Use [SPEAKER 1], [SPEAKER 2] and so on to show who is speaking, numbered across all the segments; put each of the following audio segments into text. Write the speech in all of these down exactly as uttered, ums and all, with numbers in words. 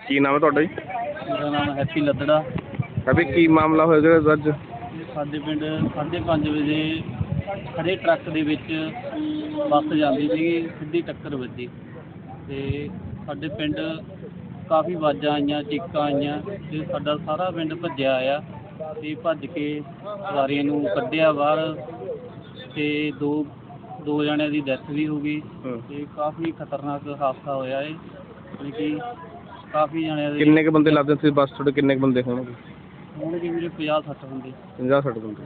[SPEAKER 1] ਕੀ ਨਾਮ ਹੈ ਤੁਹਾਡਾ ਜੀ?
[SPEAKER 2] मेरा नाम हैप्पी लद्दड़ा।
[SPEAKER 1] ਅਭੀ ਕੀ ਮਾਮਲਾ ਹੋਇਆ ਅੱਜ?
[SPEAKER 2] ਸਾਡੇ ਪਿੰਡ ਸਾਢੇ ਪੰਜ ਵਜੇ ਖੜੇ ਟਰੱਕ ਦੇ ਵਿੱਚ ਬੱਸ ਜਾਂਦੀ ਸੀਗੀ, ਸਿੱਧੀ ਟੱਕਰ ਵੱਜੀ ਅਤੇ ਸਾਡੇ ਪਿੰਡ ਕਾਫੀ ਆਵਾਜ਼ਾਂ ਆਈਆਂ, ਚੀਕਾਂ ਆਈਆਂ ਅਤੇ ਸਾਡਾ ਸਾਰਾ ਪਿੰਡ ਭੱਜਿਆ ਆਇਆ ਅਤੇ ਭੱਜ ਕੇ ਸਵਾਰੀਆਂ ਨੂੰ ਕੱਢਿਆ ਬਾਹਰ ਅਤੇ ਦੋ ਦੋ ਜਣਿਆਂ ਦੀ ਡੈਥ ਵੀ ਹੋ ਗਈ ਅਤੇ ਕਾਫੀ ਖਤਰਨਾਕ ਹਾਦਸਾ ਹੋਇਆ ਹੈ। ਯਾਨੀ ਕਿ ਕਾਫੀ ਜਣਿਆਂ ਦੇ
[SPEAKER 1] ਕਿੰਨੇ ਕੁ ਬੰਦੇ ਲੱਗਦੇ ਸੀ ਬੱਸ ਤੁਹਾਡੇ? ਕਿੰਨੇ ਕੁ ਬੰਦੇ ਹੋਣਗੇ?
[SPEAKER 2] ਹੋਣਗੇ ਵੀਰੇ ਪੰਜਾਹ ਸੱਠ ਬੰਦੇ।
[SPEAKER 1] ਪੰਜਾਹ ਸੱਠ ਬੰਦੇ।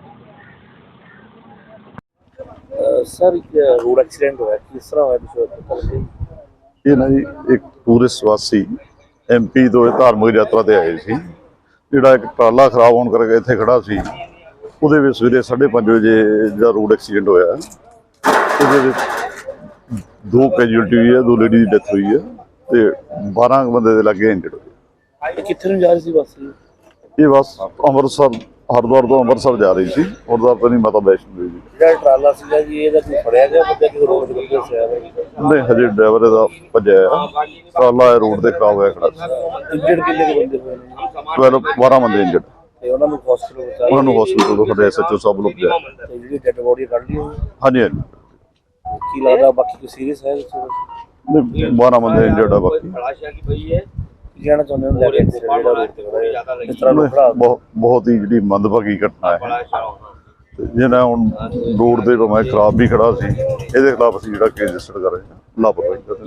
[SPEAKER 3] ਸਰ ਇੱਕ ਰੋਡ ਐਕਸੀਡੈਂਟ ਹੋਇਆ, ਕਿਸ ਤਰ੍ਹਾਂ ਹੋਇਆ ਤੁਸੀਂ ਪਤਾ ਲੱਗੇ?
[SPEAKER 4] ਇਹ ਨਾ ਜੀ ਇੱਕ ਟੂਰਿਸਟ ਵਾਸੀ ਐਮ ਪੀ ਤੋਂ ਧਾਰਮਿਕ ਯਾਤਰਾ ਤੇ ਆਏ ਸੀ। ਜਿਹੜਾ ਇੱਕ ਟਰਾਲਾ ਖਰਾਬ ਹੋਣ ਕਰਕੇ ਇੱਥੇ ਖੜਾ ਸੀ, ਉਹਦੇ ਵਿੱਚ ਸਵੇਰੇ ਸਾਢੇ ਪੰਜ ਵਜੇ ਜਿਹੜਾ ਰੋਡ ਐਕਸੀਡੈਂਟ ਹੋਇਆ, ਉਹਦੇ ਵਿੱਚ ਦੋ ਕੈਜੂਅਲਟੀ ਹੋਈ ਹੈ, ਦੋ ਲੇਡੀ ਦੀ ਡੈਥ ਹੋਈ ਹੈ ਤੇ ਬਾਰਾਂ ਬੰਦੇ ਦੇ ਲਾਗੇ ਇੰਜਰਡ ਹੋਏ।
[SPEAKER 3] ਕਿੱਥੇ ਨੂੰ ਜਾ ਰਹੀ ਸੀ ਬੱਸ?
[SPEAKER 4] ਇਹ ਬੱਸ ਅੰਮ੍ਰਿਤਸਰ ਹਰਿਦੁਆਰ ਤੋਂ ਅੰਮ੍ਰਿਤਸਰ ਜਾ ਰਹੀ ਸੀ। ਹਰਿਦੁਆਰ ਤੋਂ ਨਹੀਂ, ਮਾਤਾ ਵੈਸ਼ਨੋ ਦੇਵੀ ਜੀ।
[SPEAKER 3] ਜਿਹੜਾ ਟਰਾਲਾ ਸੀਗਾ ਜੀ, ਇਹਦਾ ਕੋਈ ਫੜਿਆ ਗਿਆ ਬੰਦਾ ਕਿ ਰੋਡ ਤੇ ਦੱਸਿਆ?
[SPEAKER 4] ਨਹੀਂ, ਹਜੇ ਡਰਾਈਵਰ ਇਹਦਾ ਭੱਜਿਆ ਆ। ਟਰਾਲਾ ਰੋਡ ਤੇ ਖਰਾਬ ਹੋਇਆ ਖੜਾ ਸੀ।
[SPEAKER 3] ਇੰਜਰਡ ਕਿੰਨੇ ਕੁ ਬੰਦੇ ਹੋਏ ਨੇ?
[SPEAKER 4] ਬਾਰਾਂ ਬਾਰਾਂ ਬੰਦੇ ਇੰਜਰਡ।
[SPEAKER 3] ਤੇ ਉਹਨਾਂ ਨੂੰ ਹਸਪੀਟਲ ਪਹੁੰਚਾਇਆ?
[SPEAKER 4] ਉਹਨਾਂ ਨੂੰ ਹਸਪੀਟਲ ਤੋਂ ਸਾਡੇ ਐਸ ਐਚ ਓ ਸਾਹਿਬ ਨੂੰ ਭੇਜਿਆ।
[SPEAKER 3] ਤੇ ਜਿਹੜੀ ਡੈਡ ਬੋਡੀ ਕੱਢ ਲਈ ਹੋਈ?
[SPEAKER 4] ਹਾਂਜੀ ਹਾਂਜੀ।
[SPEAKER 3] ਕੀ ਲੱਗਦਾ ਬਾਕੀ ਕੋਈ ਸੀਰੀਅਸ ਹੈ?
[SPEAKER 4] ਨਹੀਂ, ਬਾਰਾਂ ਬੰਦੇ ਇੰਜਰਡ ਆ ਬਾਕੀ।
[SPEAKER 3] ਕੀ ਕਹਿਣਾ ਚਾਹੁੰਦੇ ਹੋ ਲੈ ਕੇ ਜਿਹੜਾ ਰੋਡ ਤੇ ਖੜਾ ਹੈ ਇਸ ਤਰ੍ਹਾਂ ਨੂੰ ਖੜਾ?
[SPEAKER 4] ਬਹੁਤ ਬਹੁਤ ਹੀ ਜਿਹੜੀ ਮੰਦਭਾਗੀ ਘਟਨਾ ਹੈ। ਤੇ ਜਿਹੜਾ ਹੁਣ ਰੋਡ ਦੇ ਭਾਵੇਂ ਖਰਾਬ ਵੀ ਖੜਾ ਸੀ, ਇਹਦੇ ਖਿਲਾਫ ਅਸੀਂ ਜਿਹੜਾ ਕੇਸ ਰਜਿਸਟਰ ਕਰ ਰਹੇ ਹਾਂ ਲਾਪਰਵਾਹੀ ਦਾ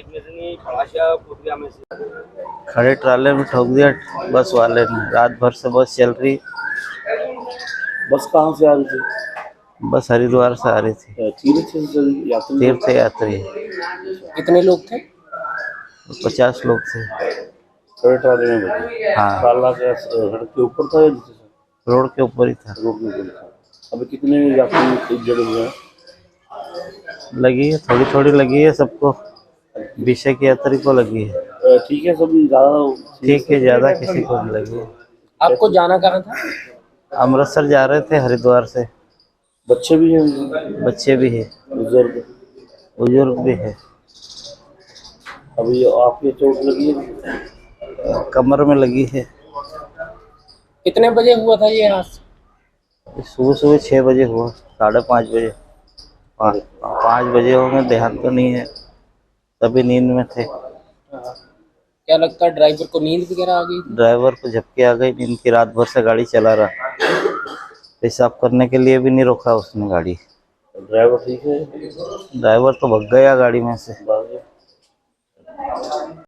[SPEAKER 4] ਦੋਸ਼।
[SPEAKER 5] खड़े ट्राले में ठोक दिया बस वाले ने। रात भर से बस चल रही।
[SPEAKER 3] बस कहाँ से आ रही थी?
[SPEAKER 5] बस हरिद्वार से आ रही थी।
[SPEAKER 3] तीर्थ यात्री?
[SPEAKER 5] तीर्थ यात्री।
[SPEAKER 3] कितने लोग थे?
[SPEAKER 5] पचास लोग थे।
[SPEAKER 3] खड़े ट्राले में बैठे?
[SPEAKER 5] हाँ,
[SPEAKER 3] ट्राला का सड़क के ऊपर था या नीचे था?
[SPEAKER 5] रोड के ऊपर ही था।
[SPEAKER 3] रोड के ऊपर था। अभी कितने यात्री इंजर्ड हुए हैं?
[SPEAKER 5] लगी है, थोड़ी थोड़ी लगी है सबको। विषय की यात्री को लगी है।
[SPEAKER 3] ठीक है, सभी ज्यादा
[SPEAKER 5] ठीक है, ज्यादा किसी को नहीं लगी है।
[SPEAKER 3] आपको जाना कहाँ था?
[SPEAKER 5] अमृतसर जा रहे थे हरिद्वार से।
[SPEAKER 3] बच्चे भी हैं?
[SPEAKER 5] बच्चे भी है,
[SPEAKER 3] बुजुर्ग?
[SPEAKER 5] बुजुर्ग भी है।
[SPEAKER 3] अभी आपके चोट लगी है?
[SPEAKER 5] कमर में लगी है।
[SPEAKER 3] कितने बजे हुआ था ये हादसा?
[SPEAKER 5] सुबह सुबह छः बजे हुआ, साढ़े पाँच बजे पाँच पाँच बजे होंगे, ध्यान तो नहीं है, तभी नींद में थे।
[SPEAKER 3] क्या लगता है ड्राइवर को नींद वगैरह आ गई?
[SPEAKER 5] ड्राइवर को झपकी आ गई नींद की। रात भर से गाड़ी चला रहा, पेशाब करने के लिए भी नहीं रोका उसने गाड़ी।
[SPEAKER 3] ड्राइवर ठीक है?
[SPEAKER 5] ड्राइवर तो भग गया गाड़ी में से।
[SPEAKER 3] भाग गया।